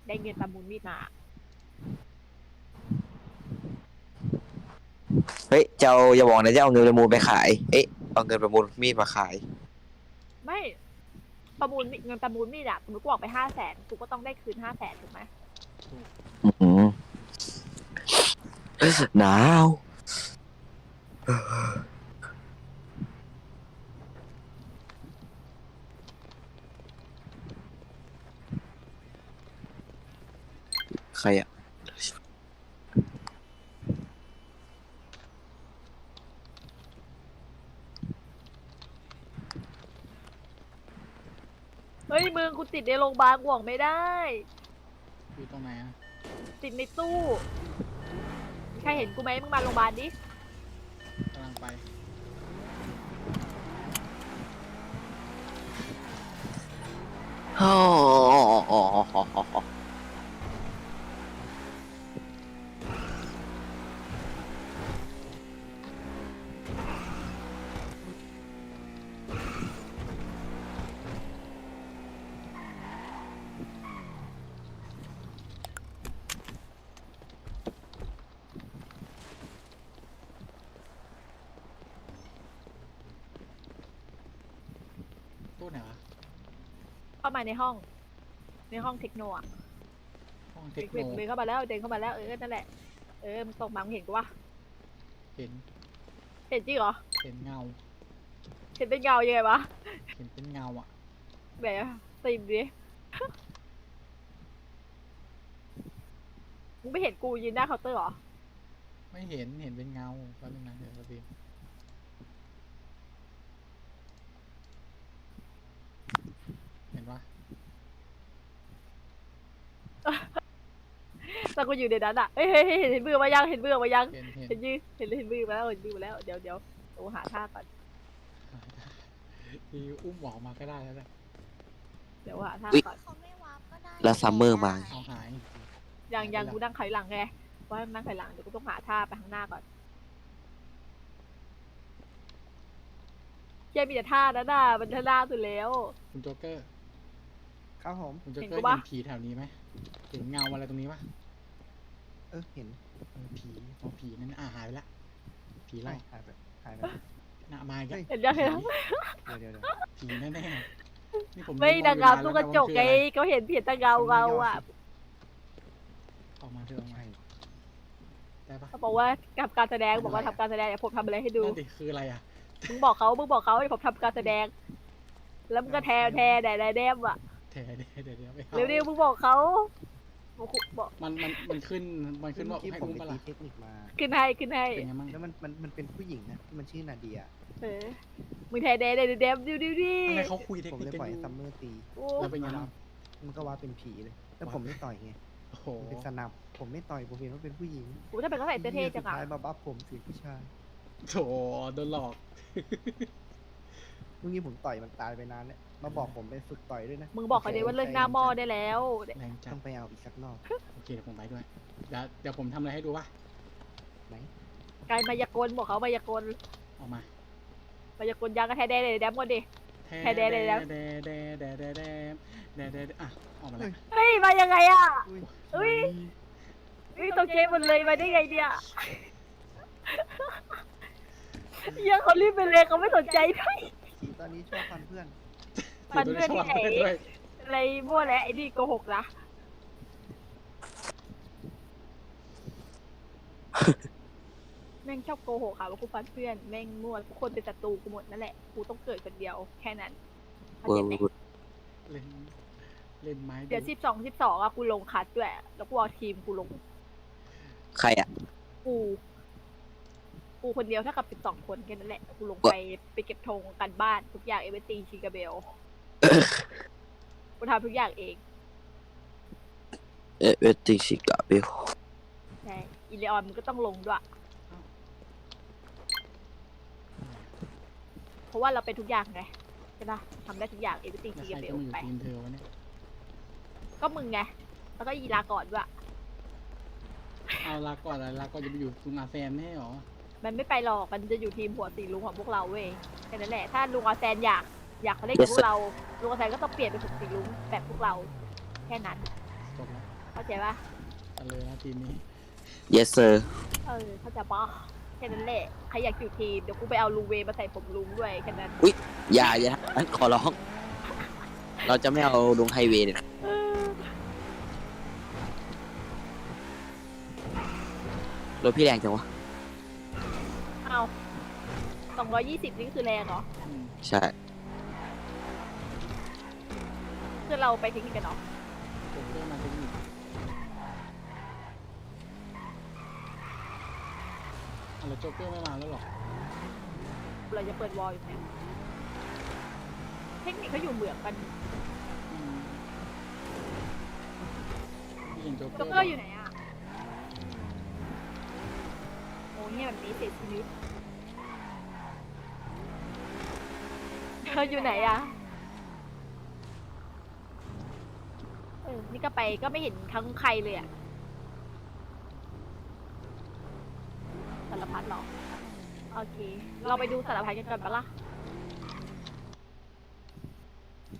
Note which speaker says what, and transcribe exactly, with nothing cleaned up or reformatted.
Speaker 1: ได้เงินประมูลมีดมา
Speaker 2: เฮ้ยเจ้าอย่าบอกนะจะเอาเงินประมูลไปขายเอ๊ะเอาเงินประมูลมีดมาขาย
Speaker 1: ไม่ประมูลเงินประมูลมีดอะสมมติกูออกไปห้าแสนกูก็ต้องได้คืนห้าแสนถูกไหม
Speaker 2: อืมหนาวใครอะ
Speaker 1: เฮ้ยมึงกูติดในโรงพยาบาลกูออกไม่ได้
Speaker 3: อยู่ตรงไหนอ่ะ
Speaker 1: ติดในตู้มีใครเห็นกูไหมมึงมาโรงพยาบาลดิ
Speaker 3: กำลังไป
Speaker 2: อ๋อ
Speaker 3: ตู้ไหนวะ
Speaker 1: เข้ามาในห้องในห้องเทคโนอะ
Speaker 3: ห้องเท
Speaker 1: เด็
Speaker 3: ค
Speaker 1: ก
Speaker 3: โน
Speaker 1: เดินเข้ามาแล้วเดินเข้ามาแล้วเออนั่นแหละเออมึงส่งมามึงเห็นกูวะ
Speaker 3: เห็น
Speaker 1: เห็นจริงเหรอ
Speaker 3: เห็นเงา
Speaker 1: เห็นเป็นเงายังไงวะ
Speaker 3: เห็นเป็นเงาอ่ะ
Speaker 1: แบบตีมดิมึงไม่เห็นกูยืนหน้าเคาน์เตอร์เหรอ
Speaker 3: ไม่เห็นเห็นเป็นเงาแป๊บนึงนะเดี๋ยวเราดูเห็นปะ
Speaker 1: แต่กูอยู่ในนั้นอ่ะเฮ้ยเฮ้ยเห็นมือมายังเห็นมือมายัง
Speaker 3: เห็นเห็น
Speaker 1: เห็นยืนเห็นเห็นมือมาแล้วเห็นมือมาแล้วเดี๋ยวเดี๋ยวโอ้หาท่าก่อน
Speaker 3: ดีอุ้มออกมาก็ได้แล้วแหละ
Speaker 1: เดี๋ยวหาท่าก่อน
Speaker 4: เขาไม่วาร์ปก็ได้
Speaker 2: แล้วซัมเมอร์มา
Speaker 3: เอาหาย
Speaker 1: ยังยังกูนั่งไขหลังไงว่านั่งไขหลังเดี๋ยวกูต้องหาท่าไปข้างหน้าก่อนแค่มีแต่ท่านั้นน่ะมันท่าหน้าสุดแล้ว
Speaker 3: คุณโจ๊กเกอร์
Speaker 5: ครับผม
Speaker 3: คุณโจ๊ก
Speaker 1: เห็น
Speaker 3: เกอ
Speaker 1: กู
Speaker 3: ร์
Speaker 1: ปะ
Speaker 3: เห็นผีแถวนี้ไหมเห็นเงาอะไรตรงนี้ปะ
Speaker 5: เออเห็น
Speaker 3: เออผีอ๋อผีนั่นอ่ะหายไปละผีอะไร
Speaker 5: หายไปหายไป
Speaker 3: หน้ามาอีกแล้ว
Speaker 1: เห็นยังเห็นยัง
Speaker 5: เดี๋ยวเดี๋ยวเดี๋ยว
Speaker 3: ผีแน่ๆนี่ผม
Speaker 1: ไม่
Speaker 3: ดู
Speaker 1: นางงาม
Speaker 3: อยู่
Speaker 1: ตู้
Speaker 3: น
Speaker 1: ก
Speaker 3: น
Speaker 1: ระ
Speaker 3: แล้ว
Speaker 1: จก
Speaker 3: มัน
Speaker 1: ไง
Speaker 3: คืออะไร
Speaker 1: เขาเห็นเพียงแต่เงาเงาอ่ะ
Speaker 3: ออกมาเถอะออกมา
Speaker 5: ใช่
Speaker 3: ได้ปะ
Speaker 1: เขาบอกว่ากับการแสดงบอกว่าทำการแสดงเดี๋ยวผมทำอะไรให้ดู
Speaker 3: นั่นดิคืออะไรอ่ะ
Speaker 1: มึงบอกเขามึงบอกเขาให้ผมทำการแสดง แล้วมึงก็แทแทแดดแดมอ่ะ
Speaker 3: เดี๋ยวเดี๋ยวเดี๋ยวเดี๋ยวไปอา
Speaker 1: เร็วๆมึงบอกเขาบอกบอก
Speaker 3: มันมันมันขึ้นมันขึ้นว่า
Speaker 5: เมื่อกี้
Speaker 3: ให้
Speaker 5: ผม
Speaker 3: อุ้ม
Speaker 5: ไป
Speaker 3: ปะ
Speaker 5: ตี
Speaker 3: ล่ะ
Speaker 5: เทคนิคมา
Speaker 1: ขึ้นให้ขึ้นให้
Speaker 3: เป็นไงมั่ง
Speaker 5: แล้วมันมันมันเป็นผู้หญิงนะมันชื่อนาเดีย
Speaker 1: เออมึงแทแดดแดดแดมดูดูดิ
Speaker 3: อะไรเขาคุยเทค
Speaker 5: ผม
Speaker 3: นิค
Speaker 5: เลย
Speaker 3: กัน
Speaker 5: ปล่อย
Speaker 3: อ
Speaker 5: ให้
Speaker 3: ยู่
Speaker 5: ซัมเมอร์ตี
Speaker 1: โอ้
Speaker 3: แล้วเป็นไงบ้าง
Speaker 5: มันก็ว่าเป็นผีเลยแล้วผมไม่ต่อยไง
Speaker 3: โอ้โห
Speaker 5: มันเป็นสนับผมไม่ต่อยผมเห็นว่าเป็นผู้หญิง
Speaker 1: โหถ้าเป็นเขาใส่เสื้อเท่จัง
Speaker 5: สุด
Speaker 1: อ่ะ
Speaker 5: ท้ายมาบัฟผมเสียงผู้ชาย
Speaker 3: โถโดนหลอก
Speaker 5: เมื่อกี้ผมต่อยมันตายไปนานแล้วมาบอกผมไปฝึกต่อยด้วยนะ
Speaker 1: มึงบอกเขาเดี๋ยวว่าเลิกหน้าหม้อได้แล้ว
Speaker 3: แรงจั
Speaker 5: ต้
Speaker 3: ด
Speaker 5: องไปเอาอีกสักรอบ
Speaker 3: โอเคเดี๋ยวผมไปด้วยเดี๋ยวเดี๋ยวผมทำอะไรให้ดูวะ
Speaker 5: ไหน
Speaker 1: กายมายากลบอกเขามายากล
Speaker 3: ออกมาม
Speaker 1: ายากลยังก็แทแดดแดดแดมก่อนดิ แท้แดๆเลยนะ
Speaker 3: แดแดแดแดแดแดแดแดอ่ะออกมาแล้ว
Speaker 1: เฮ้ยมายังไงอ่ะ
Speaker 5: อุ้ย
Speaker 1: เฮ้ย เฮ้ยตกใจหมดเลยมาได้ไงเนี่ยยังเขารีบไปเลยเขาไม่สนใจด้วย
Speaker 5: ผีตอนนี้ชอบฟันเพื่อน
Speaker 1: ฟันเพื่อนที่ไหน
Speaker 3: ชบด้วย
Speaker 1: อะไรมั่วแล้วไอ้นี่โกหกนะแม่งชอบโกหกค่ะว่ากูฟันเพื่อนแม่งมั่วทุกคนเป็นศัตรูกูหมดนั่นแหละกูต้องเกิดคนเดียวแค่นั้นเข้า
Speaker 2: เวอ
Speaker 1: ใจ
Speaker 2: ร์
Speaker 1: ไหม
Speaker 2: วูด
Speaker 3: เล่นเล่นไม้
Speaker 1: เดี๋ยวสิบสองสิบสองอะกูลงคัดด้วยแล้วกูเอาทีมกูลง
Speaker 2: ใครอ่ะ
Speaker 1: กูกูคนเดียวเท่ากับสิบสองคนแค่นั้นแหละกูลงไปไปเก็บธงกันบ้านทุกอย่างเอเวอร์ตีชิกาเบลกูทำทุกอย่างเอง
Speaker 2: เอเวอร์ติชิกาเบล
Speaker 1: ใช่อีเลออนมันก็ต้องลงด้วยเพราะว่าเราเป็นทุกอย่างไงใช่ปะทำได้ทุกอย่างเอเวอร์ตี
Speaker 3: แล้ว
Speaker 1: ชิ
Speaker 3: ใคร
Speaker 1: กาเบ
Speaker 3: จะ
Speaker 1: ล
Speaker 3: มาอยู่
Speaker 1: ไป
Speaker 3: ทีมเธอวะเนี่ย
Speaker 1: ก็มึงไงแล้วก็อีลาก่อนด้วย
Speaker 3: เอาลาก่อนอะไรลาก่อนจะไปอยู่ลุงอาแซมแน่หรอ
Speaker 1: มันไม่ไปหรอกมันจะอยู่ทีมหัวสีลุงของพวกเราเว้ยแค่นั้นแหละถ้าลุงอาแซนอยากอยากมาเล่นกับพวกเราลุงอาแซนก็ต้องเปลี่ยนเป็นหัวสีลุงแบบพวกเราแค่นั้น
Speaker 3: สจบแล้ว
Speaker 1: เข้าใจปะ
Speaker 3: กันเลยนะทีมนี้
Speaker 2: yes sir
Speaker 1: เออเข้าใจปะแค่นั้นแหละใครอยากอยู่ทีมเดี๋ยวกูไปเอาลุงเวย์มาใส่ผมลุงด้วยแค่นั้น
Speaker 2: อย่าอย่าอันขอร้อง เราจะไม่เอาลงไฮเวย์เนี่ย
Speaker 1: เออ
Speaker 2: รถพี่แรงจังวะ
Speaker 1: เอาสองร้อยยี่สิบนี่คือแรงเหรอ
Speaker 3: อืม
Speaker 2: ใช่
Speaker 1: คือเราไปเทคนิคกันเนาะ
Speaker 3: โจ๊กเกอร์มาเทคนิคอะไรโจ๊กเกอร์ไม่มาแล้วหรอ
Speaker 1: เราจะเปิดวอลอยู่เนี่ยเทคนิคเขาอยู่เหมืองกัน
Speaker 3: อืมพี่เห็นโจ๊กเก
Speaker 1: จ็
Speaker 3: อ
Speaker 1: อก
Speaker 3: ร์
Speaker 1: เกอร์อยู่ไหนอะโอ้เนี่ยแบบนี้เสียชีวิตเธออยู่ไหนอะเออนี่ก็ไปก็ไม่เห็นทั้งใครเลยอะสารพัดหรอโอเค เราไปดูสารพัดกันก่อนปะล่ะ
Speaker 3: ไ